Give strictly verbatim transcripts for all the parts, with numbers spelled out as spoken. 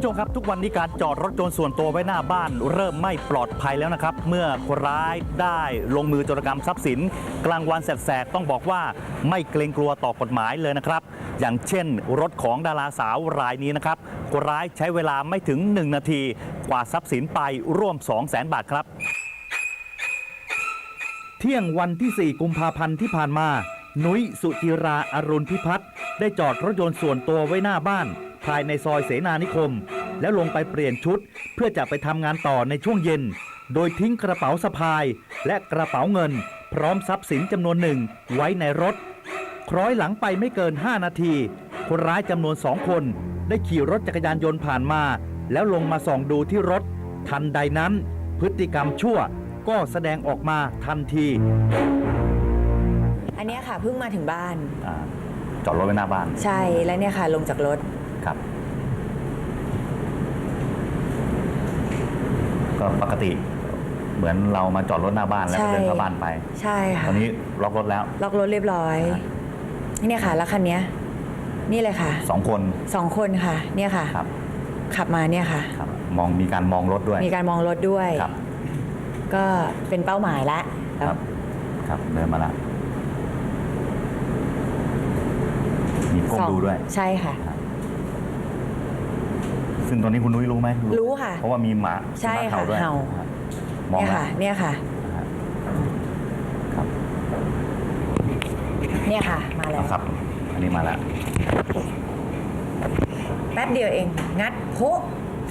ชมครับทุกวันนี้การจอดรถยนต์ส่วนตัวไว้หน้าบ้านเริ่มไม่ปลอดภัยแล้วนะครับเมื่อคนร้ายได้ลงมือโจรกรรมทรัพย์สินกลางวันแสกๆต้องบอกว่าไม่เกรงกลัวต่อกฎหมายเลยนะครับอย่างเช่นรถของดาราสาวรายนี้นะครับคนร้ายใช้เวลาไม่ถึงหนึ่งนาทีกวาดทรัพย์สินไปร่วม สองแสน บาทครับเที่ยงวันที่สี่กุมภาพันธ์ที่ผ่านมานุ้ยสุจิราอรุณพิพัฒน์ได้จอดรถยนต์ส่วนตัวไว้หน้าบ้านภายในซอยเสนานิคมแล้วลงไปเปลี่ยนชุดเพื่อจะไปทำงานต่อในช่วงเย็นโดยทิ้งกระเป๋าสะพายและกระเป๋าเงินพร้อมทรัพย์สินจำนวนหนึ่งไว้ในรถคล้อยหลังไปไม่เกินห้านาทีคนร้ายจำนวนสองคนได้ขี่รถจักรยานยนต์ผ่านมาแล้วลงมาส่องดูที่รถทันใดนั้นพฤติกรรมชั่วก็แสดงออกมาทันทีอันนี้ค่ะเพิ่งมาถึงบ้านอจอดรถไว้หน้าบ้านใช่แล้วเนี่ยค่ะลงจากรถครับก็ปกติเหมือนเรามาจอดรถหน้าบ้านแล้วเดินเข้าบ้านไปใช่ค่ะตอนนี้ล็อกรถแล้วล็อกรถเรียบร้อยเนี่ยค่ะแล้วคันนี้นี่เลยค่ะสองคนสองคนค่ะเนี่ยค่ะครับขับมาเนี่ยค่ะครับมองมีการมองรถด้วยมีการมองรถด้วยครับก็เป็นเป้าหมายแล้วครับครับเดินมาแล้วมีก้มดูด้วยใช่ค่ะซึ่งตอนนี้คุณนุ้ยรู้ไหมรู้ค่ะเพราะว่ามีหมาใช่ค่ะเห่ามองค่ะเนี่ยค่ะครับเนี่ยค่ะมาแล้วครับอันนี้มาแล้วแป๊บเดียวเองงัดโพะ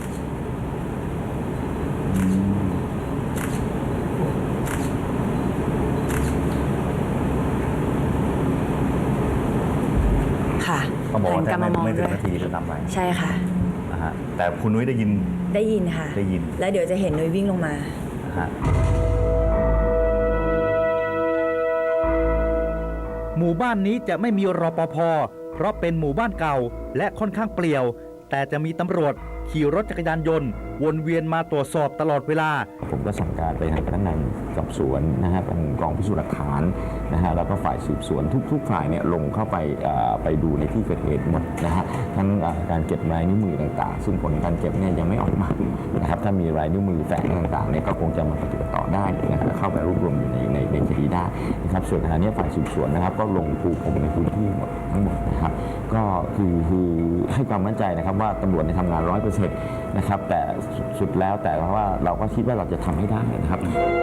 ค่ะต้องบอกว่าแค่ไม่ถึงนาทีจะทำไปใช่ค่ะนะฮะแต่คุณนุ้ยได้ยินได้ยินค่ะได้ยินแล้วเดี๋ยวจะเห็นนุ้ยวิ่งลงมาฮะหมู่บ้านนี้จะไม่มีรปภ.เพราะเป็นหมู่บ้านเก่าและค่อนข้างเปลี่ยวแต่จะมีตำรวจขี่รถจักรยานยนต์วนเวียนมาตรวจสอบตลอดเวลาผมก็สั่งการไปทางพนักงานสอบสวนนะฮะเป็นกองพิสูจน์หลักฐานนะฮะแล้วก็ฝ่ายสืบสวนทุกๆฝ่ายเนี่ยลงเข้าไปไปดูในที่เกิดเหตุหมดนะฮะทั้งการเก็บลายนิ้วมือต่างๆซึ่งผลการเก็บเนี่ยยังไม่ออกมานะครับถ้ามีลายนิ้วมือแฝงต่างๆเนี่ยก็คงจะมาปฏิบัติต่อได้นะฮะเข้าไปรวบรวมอยู่ในในในคดีได้นะครับส่วนขณะนี้ฝ่ายสืบสวนนะครับก็ลงปูพรมในพื้นที่หมดทั้งหมดนะครับก็คือคือให้ความมั่นใจนะครับว่าตำรวจในทำงานร้อยเปอร์เซ็นต์นะครับแต่สุดแล้วแต่ว่าเราก็คิดว่าเราจะทำให้ได้นะครับ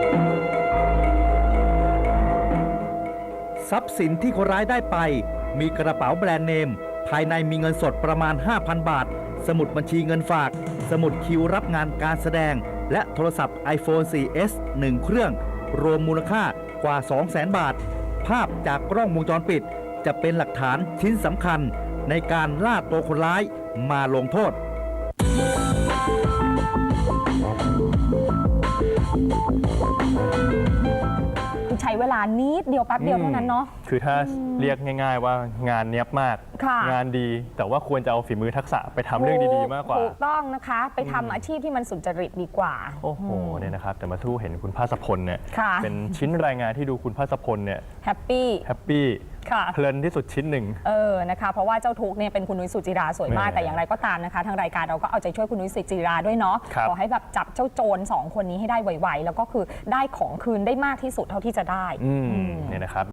ทรัพย์สินที่คนร้ายได้ไปมีกระเป๋าแบรนด์เนมภายในมีเงินสดประมาณ ห้าพัน บาทสมุดบัญชีเงินฝากสมุดคิวรับงานการแสดงและโทรศัพท์ ไอโฟน โฟร์ เอส หนึ่ง เครื่องรวมมูลค่ากว่า สองแสน บาทภาพจากกล้องวงจรปิดจะเป็นหลักฐานชิ้นสำคัญในการล่าตัวคนร้ายมาลงโทษใช้เวลานิดเดียวแป๊บเดียวเท่านั้นเนาะคือถ้าเรียกง่ายๆว่างานเนี้ยบมากงานดีแต่ว่าควรจะเอาฝีมือทักษะไปทำเรื่องดีๆมากกว่าถูกต้องนะคะไปทำอาชีพที่มันสุจริตดีกว่าโอ้โหเนี่ยนะครับแต่มาทู่เห็นคุณภาสพลเนี่ยเป็นชิ้นรายงานที่ดูคุณภาสพลเนี่ยแฮปปี้แฮปปี้เพลินที่สุดชิ้นหนึ่งเออนะคะเพราะว่าเจ้าทุกเนี่ยเป็นคุณนุ้ยสุจิราสวยมากแต่อย่างไรก็ตามนะคะทางรายการเราก็เอาใจช่วยคุณนุ้ยสุจิราด้วยเนาะขอให้แบบจับเจ้าโจรสองคนนี้ให้ได้ไวๆแล้วก็คือได้ของคืนได้มากที่สุดเท่าที่จะได้เนี่ยนะครับ